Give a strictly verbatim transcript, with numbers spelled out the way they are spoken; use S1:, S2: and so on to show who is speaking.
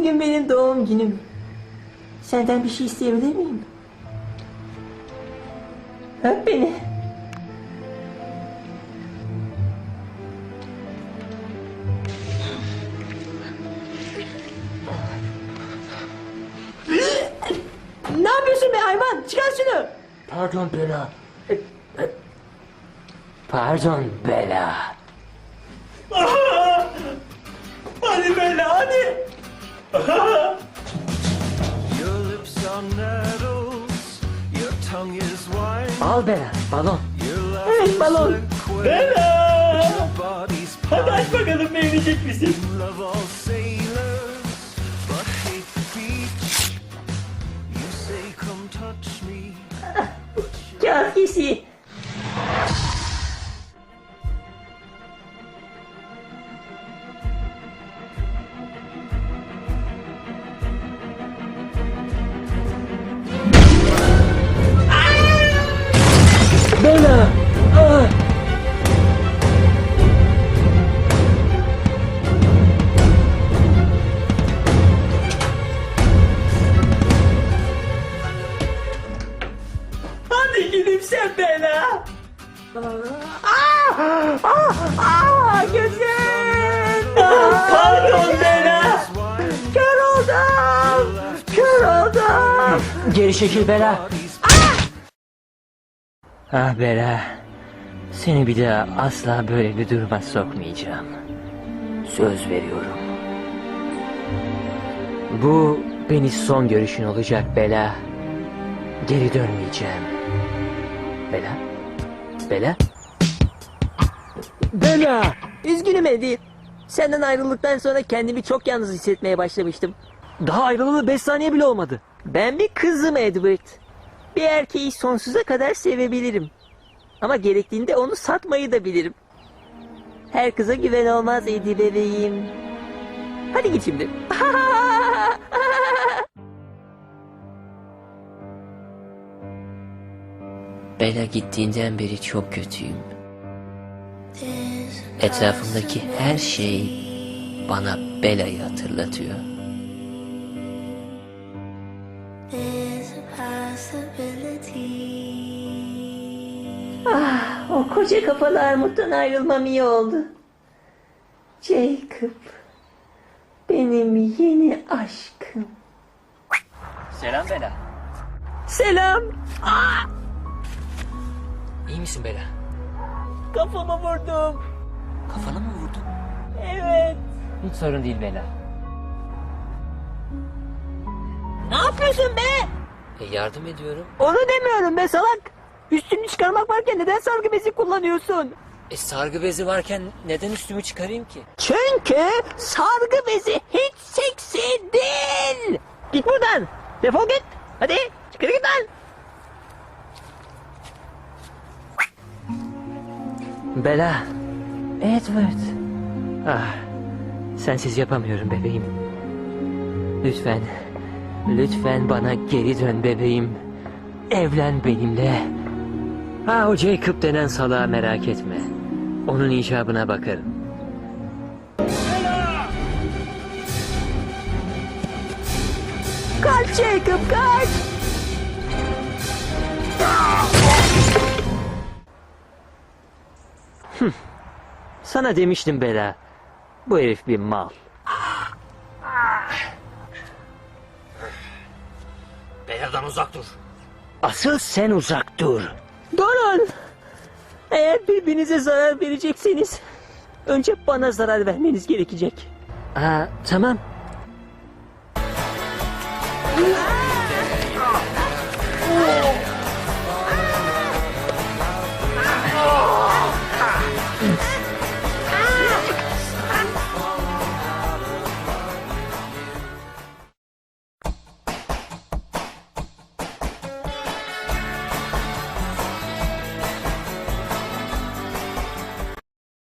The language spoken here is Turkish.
S1: Bugün benim doğum günüm. Senden bir şey isteyebilir miyim? Öp beni. Ne yapıyorsun be hayvan? Çıkar şunu.
S2: Pardon Bela. Pardon Bela.
S1: Hadi Bella hadi.
S3: Your lips are nettles, your tongue is wine.
S2: Al Bela, balon.
S3: Your laugh
S1: Evet
S3: is
S1: balon.
S3: like quail,
S1: Bella.
S3: your body's
S1: Hadi aç
S3: pine.
S1: bakalım beğenecek misin?
S3: Love all sailors, but hate the beach. You say come touch me,
S1: Kağıt kesiği.
S2: Bela! Ah!
S1: Hadi gülümse Bella. Aa, aa, aa, gözüm. Ah, pardon Bella. Kör oldum. Kör oldum.
S2: Geri çekil Bela. Ah Bela. Seni bir daha asla böyle bir duruma sokmayacağım. Söz veriyorum. Bu beni son görüşün olacak Bela. Geri dönmeyeceğim. Bela? Bela?
S1: Bella. Üzgünüm Eddie. Senden ayrıldıktan sonra kendimi çok yalnız hissetmeye başlamıştım.
S2: Daha ayrılalı beş saniye bile olmadı.
S1: Ben bir kızım Edward. Bir erkeği sonsuza kadar sevebilirim. Ama gerektiğinde onu satmayı da bilirim. Her kıza güven olmaz Eddie bebeğim. Hadi git şimdi.
S2: Bela gittiğinden beri çok kötüyüm. Etrafımdaki her şey bana Bela'yı hatırlatıyor.
S1: Ah, o koca kafalı armuttan ayrılmam iyi oldu. Jacob, benim yeni aşkım.
S2: Selam Bela.
S1: Selam.
S2: İyi misin Bela?
S1: Kafama vurdum.
S2: Kafana mı vurdun?
S1: Evet.
S2: Hiç sorun değil Bela.
S1: Ne yapıyorsun be?
S2: E, yardım ediyorum.
S1: Onu demiyorum be salak. Üstünü çıkarmak varken neden sargı bezi kullanıyorsun?
S2: E sargı bezi varken neden üstümü çıkarayım ki?
S1: Çünkü sargı bezi hiç seksi değil. Git buradan. Defol git. Hadi çıkar git lan.
S2: Bela. Edward. Ah. Sensiz yapamıyorum bebeğim. Lütfen. Lütfen bana geri dön bebeğim. Evlen benimle. Ha o Jacob denen salağı merak etme. Onun icabına bakarım.
S1: Kaç Jacob kaç.
S2: Sana demiştim Bela. Bu herif bir mal. Bela'dan uzak dur. Asıl sen uzak dur.
S1: Durun. Eğer birbirinize zarar verecekseniz önce bana zarar vermeniz gerekecek.
S2: Aa, tamam.